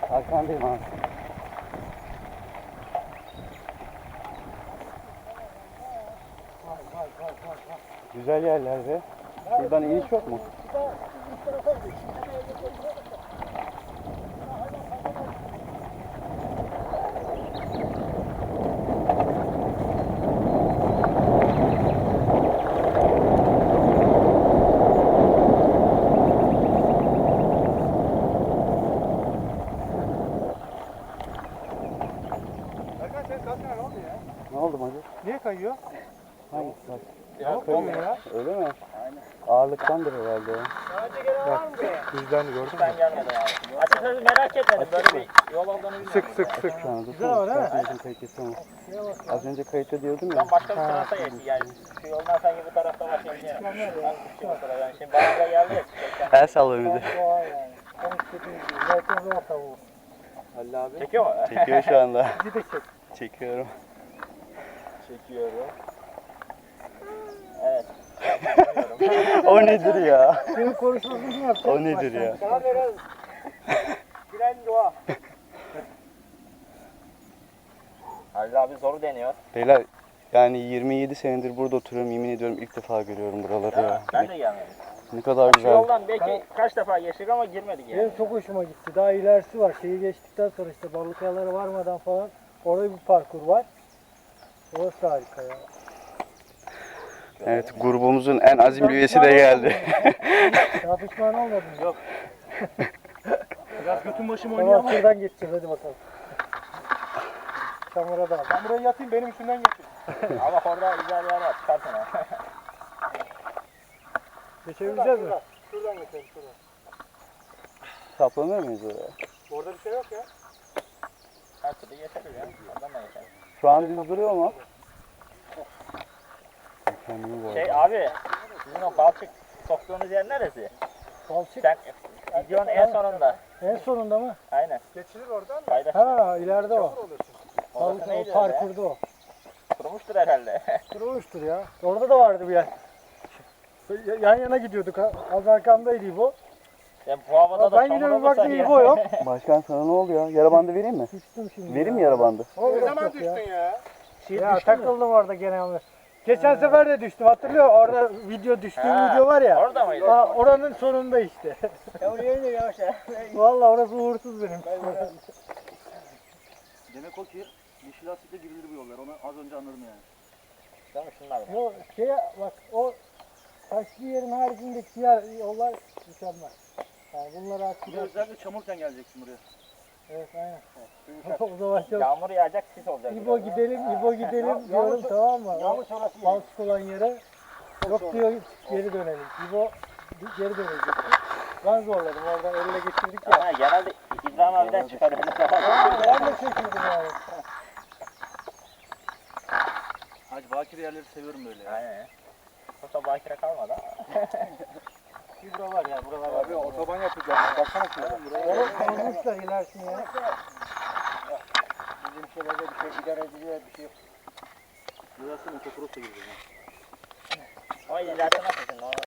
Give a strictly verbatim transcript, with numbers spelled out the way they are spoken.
Arkandayım abi. Güzel yerlerde. Buradan iniş yok mu? Erkan senin kaskına ne oldu ya? Ne oldu Macı? Niye kayıyor? Hangisi bak? Yok kayıyor ya. Öyle mi? Aynen. Ağırlıktandır herhalde ya. Sadece gelen var mı buraya? Bizden de gördün mü? Ben gelmedim abi. Açıkçası merak etmedim. Böyle bir yol olduğunu bilmiyorum. Sık sık sık. Şu anda Güzel ama değil mi? Bizim kayıt geçsem. Az önce kayıtta diyordum ya. Ben başka bir tarafa geçti yani. Şu yoldan sanki bu tarafta başlayacağım. Ben düştüm o tarafa. Yani şimdi bana da geldi ya. El sallıyor bir de. Doğa yani. Tam istediğim gibi. Zaten zor tavuğu. Halil abi. Çekiyor mu? Çekiyor şu anda. Bir de çek. Çekiyorum. Çekiyorum. Evet. O nedir ya? Senin konuşmasını kim yapacak? O nedir ya? Sana biraz Gülen doğa. Halil abi zoru deniyor. Beyler yani yirmi yedi senedir burada oturuyorum. Yemin ediyorum ilk defa görüyorum buraları ya. Ben de gelmedim. Ne kadar Şu güzel. yoldan belki kaç defa geçtik ama girmedik yani. Benim çok hoşuma gitti. Daha ilerisi var. Şeyi geçtikten sonra işte Balıkyalara varmadan falan orada bir parkur var. Orası harika ya. Evet, grubumuzun en azimli üyesi de geldi. Daha pişman olmadın mı? Yok. Biraz götün başım Tamam oynayalım. şuradan geçeceğiz hadi bakalım. Çamura da al. Ben buraya yatayım benim üstümden geçin. Ama orada güzel yer var. Çıkartın ha. Geçebileceğiz mi? Şuradan geçelim şuradan. Saplanır mıyız oraya? Orada bir şey yok ya. Her türlü geçeriz ya. Oradan da geçeriz. Şu an düz duruyor mu? Kendimi bu Şey arada. abi, sizin o balçık soktuğunuz yer neresi? Balçık Sen videonun en sonunda. en sonunda mı? Aynen. Geçilir oradan da. Fayda. Ha ileride o. Olur çünkü. Orası Balık o neydi öyle? parkurda o. Kurumuştur herhalde. Durmuştur ya. Orada da vardı bir yer. Yan yana gidiyorduk. Az arkamdaydı İbo. Ya bu havada da Ben çamur gidiyorum olursa baktım ya. İbo yok. Başkan sana ne oldu ya? Yara bandı vereyim mi? Düştüm şimdi. Vereyim mi yara bandı? O Ne yok zaman yok düştün ya. ya? Ya takıldım orada genelde. Geçen sefer de düştüm hatırlıyor musun? Orada video düştüğüm Ha, video var ya. Orada mıydı? Aa, oranın sonunda işte. Ya oraya iniyor yavaş ya. Vallahi orası uğursuz benim. Demek o ki yeşil asitle girilir bu yollar. Onu az önce anladım yani. Değil mi şunlar mı? Yo şeye bak o taşlı yerin haricindeki diğer yollar mükemmel. Yani bunları Bir de açacağız. özellikle çamurken geleceksin buraya. Evet aynen. o zaman çok. Yağmur yağacak, sis olacak. İbo gidelim, İbo gidelim diyorum tamam mı? Yağmur sonrası yani. Balçık olan yere. Yok diyor geri dönelim. İbo geri dönecek. Ben zorladım oradan elle geçirdik ya. Ha, genelde İbrahim abiden çıkar öyle zaman. Ben de çekildim yani. Hacı bakir yerleri seviyorum böyle ya. Aynen ya. Yoksa bakire kalmadı ama. Bir bura var ya, buralar var. Abi otoban yapacağız. Baksana şuraya. Oğlum kazmışlar ilerisini ya. Bizim şeylerde bir şey idare ediliyor bir şey yok. Burası motokros da gidiyor. Ama ileride nasıl şimdi?